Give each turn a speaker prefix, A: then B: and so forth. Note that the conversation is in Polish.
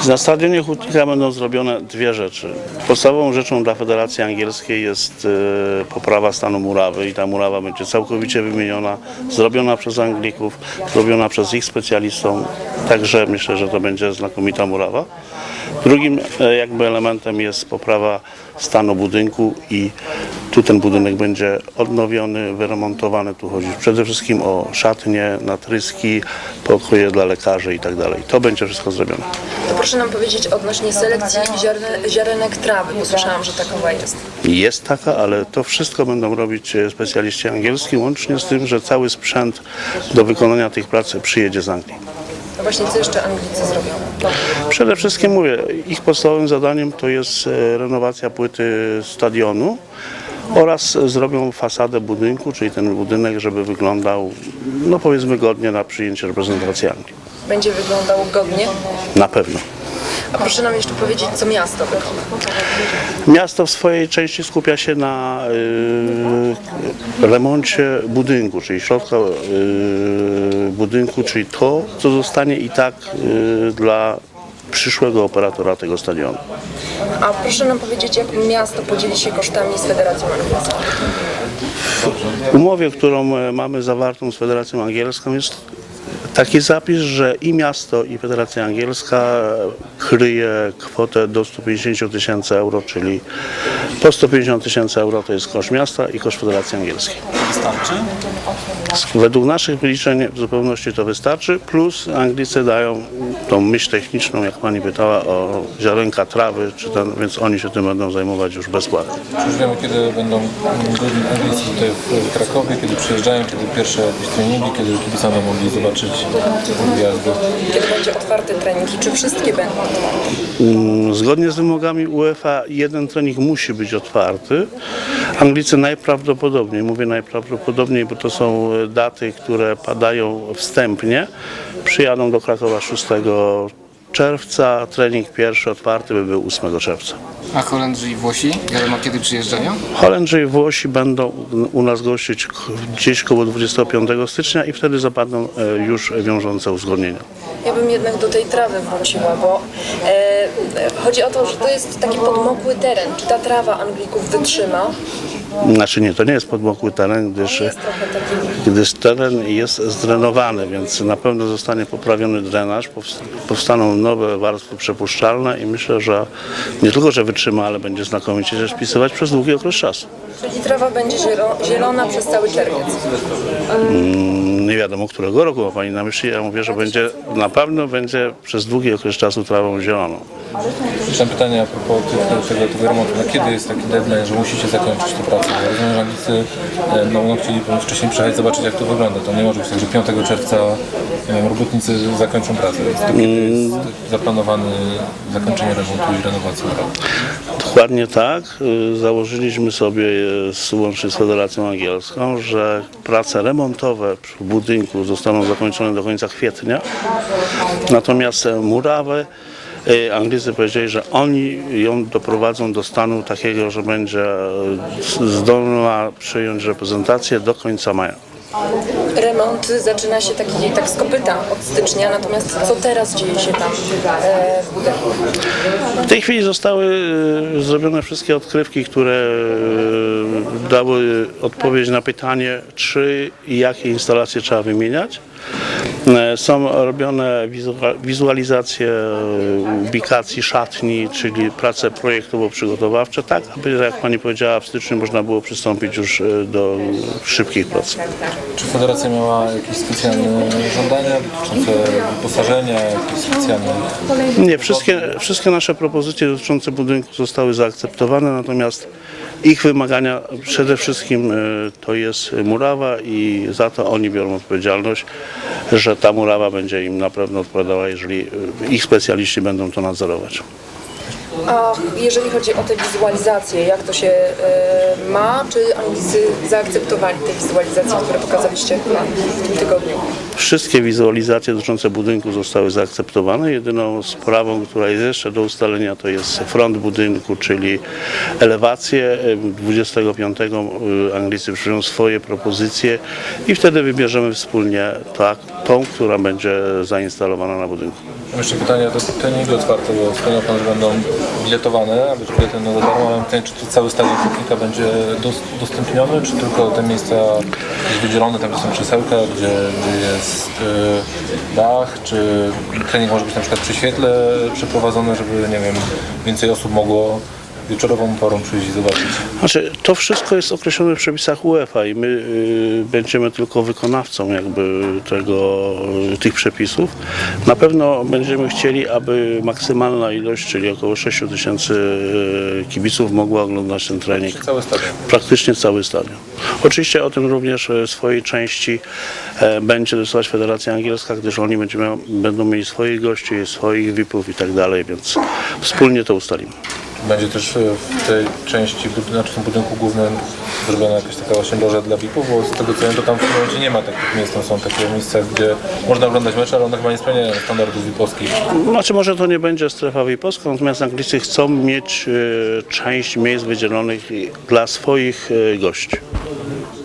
A: Na stadionie Hutnika będą zrobione dwie rzeczy. Podstawową rzeczą dla Federacji Angielskiej jest poprawa stanu murawy i ta murawa będzie całkowicie wymieniona, zrobiona przez Anglików, zrobiona przez ich specjalistów, także myślę, że to będzie znakomita murawa. Drugim jakby elementem jest poprawa stanu budynku i tu ten budynek będzie odnowiony, wyremontowany. Tu chodzi przede wszystkim o szatnie, natryski, pokoje dla lekarzy i tak dalej. To będzie wszystko zrobione.
B: To proszę nam powiedzieć odnośnie selekcji ziarenek trawy, bo słyszałam, że takowa jest.
A: Jest taka, ale to wszystko będą robić specjaliści angielscy, łącznie z tym, że cały sprzęt do wykonania tych prac przyjedzie z Anglii.
B: No właśnie, co jeszcze Anglicy zrobią?
A: Przede wszystkim mówię, ich podstawowym zadaniem to jest renowacja płyty stadionu oraz zrobią fasadę budynku, czyli ten budynek, żeby wyglądał, no powiedzmy, godnie na przyjęcie reprezentacji Anglii.
B: Będzie wyglądał godnie?
A: Na pewno.
B: A proszę nam jeszcze powiedzieć, co miasto wykona.
A: Miasto w swojej części skupia się na remoncie budynku, czyli środka budynku, czyli to, co zostanie i tak dla przyszłego operatora tego stadionu.
B: A proszę nam powiedzieć, jak miasto podzieli się kosztami z Federacją Angielską?
A: W umowie, którą mamy zawartą z Federacją Angielską, jest taki zapis, że i miasto, i Federacja Angielska kryje kwotę do 150 000 euro, czyli po 150 000 euro to jest koszt miasta i koszt Federacji Angielskiej.
C: Wystarczy?
A: Według naszych wyliczeń w zupełności to wystarczy, plus Anglicy dają tą myśl techniczną, jak pani pytała, o ziarenka trawy, więc oni się tym będą zajmować już bezpłatnie.
C: Czy już wiemy, kiedy będą Anglicy tutaj w Krakowie, kiedy przyjeżdżają, kiedy pierwsze jakieś treningi, kiedy kibice mogli zobaczyć gwiazdy?
B: Kiedy będzie otwarty trening i czy wszystkie będą otwarte?
A: Zgodnie z wymogami UEFA jeden trening musi być otwarty. Anglicy najprawdopodobniej, mówię najprawdopodobniej, bo to są daty, które padają wstępnie, przyjadą do Krakowa 6 czerwca. Trening pierwszy otwarty by był 8 czerwca.
D: A Holendrzy i Włosi? Wiadomo, kiedy przyjeżdżają?
A: Holendrzy i Włosi będą u nas gościć gdzieś koło 25 stycznia i wtedy zapadną już wiążące uzgodnienia.
B: Ja bym jednak do tej trawy wróciła, bo chodzi o to, że to jest taki podmokły teren. Czy ta trawa Anglików wytrzyma?
A: Znaczy nie, to nie jest podmokły teren, gdyż teren jest zdrenowany, więc na pewno zostanie poprawiony drenaż, powstaną nowe warstwy przepuszczalne i myślę, że nie tylko, że wytrzyma, ale będzie znakomicie się spisywać przez długi okres czasu.
B: Czyli trawa będzie zielona przez cały czerwiec.
A: Nie wiadomo, którego roku ma pani na myśli, ja mówię, że na pewno będzie przez długi okres czasu trawą zieloną.
C: Jeszcze mam pytanie a propos tego remontu. Na kiedy jest taki deadline, że musicie zakończyć tę pracę? Ja rozumiem, że Anglicy chcieli wcześniej przyjechać zobaczyć, jak to wygląda. To nie może być tak, że 5 czerwca robotnicy zakończą pracę. To kiedy jest zaplanowane zakończenie remontu i renowacji?
A: Dokładnie tak. Założyliśmy sobie łącznie z Federacją Angielską, że prace remontowe w budynku zostaną zakończone do końca kwietnia. Natomiast murawę Anglicy powiedzieli, że oni ją doprowadzą do stanu takiego, że będzie zdolna przyjąć reprezentację do końca maja.
B: Remont zaczyna się tak z kopyta od stycznia, natomiast co teraz dzieje się tam w budynku?
A: W tej chwili zostały zrobione wszystkie odkrywki, które dały odpowiedź na pytanie, czy i jakie instalacje trzeba wymieniać. Są robione wizualizacje ubikacji szatni, czyli prace projektowo-przygotowawcze, tak aby, jak pani powiedziała, w styczniu można było przystąpić już do szybkich prac.
C: Czy Federacja miała jakieś specjalne żądania dotyczące wyposażenia, jakieś specjalne...
A: Nie, wszystkie nasze propozycje dotyczące budynku zostały zaakceptowane, natomiast ich wymagania przede wszystkim to jest murawa i za to oni biorą odpowiedzialność, że ta murawa będzie im na pewno odpowiadała, jeżeli ich specjaliści będą to nadzorować.
B: A jeżeli chodzi o te wizualizacje, jak to się ma? Czy Anglicy zaakceptowali te wizualizacje, które pokazaliście w tym tygodniu?
A: Wszystkie wizualizacje dotyczące budynku zostały zaakceptowane. Jedyną sprawą, która jest jeszcze do ustalenia, to jest front budynku, czyli elewację. 25 Anglicy przyjmą swoje propozycje i wtedy wybierzemy wspólnie tą, która będzie zainstalowana na budynku.
C: Mam jeszcze pytanie, to treningi otwarte, bo wspomniał Pan, że będą biletowane, a być bilety na za darmo, ale mam pytanie, czy cały stadion Hutnika będzie udostępniony, czy tylko te miejsca jest wydzielone, tam gdzie są krzesełka, gdzie jest dach, czy trening może być na przykład przy świetle przeprowadzony, żeby, nie wiem, więcej osób mogło wieczorową porą przyjść i zobaczyć.
A: Znaczy, to wszystko jest określone w przepisach UEFA i my będziemy tylko wykonawcą tych przepisów. Na pewno będziemy chcieli, aby maksymalna ilość, czyli około 6 000 kibiców mogła oglądać ten trening.
C: Cały stadion.
A: Praktycznie cały stadion. Oczywiście o tym również w swojej części będzie decydować Federacja Angielska, gdyż oni będą mieli swoich gości, swoich VIP-ów i tak dalej, więc wspólnie to ustalimy.
C: Będzie też w tej części, znaczy w tym budynku głównym zrobiona jakaś taka właśnie loża dla VIP-ów, bo z tego co wiem, to tam w tym momencie nie ma takich miejsc, tam są takie miejsca, gdzie można oglądać mecze, ale one chyba nie spełniają standardów VIP-owskich.
A: Znaczy może to nie będzie strefa VIP-owska, natomiast Anglicy chcą mieć część miejsc wydzielonych dla swoich gości.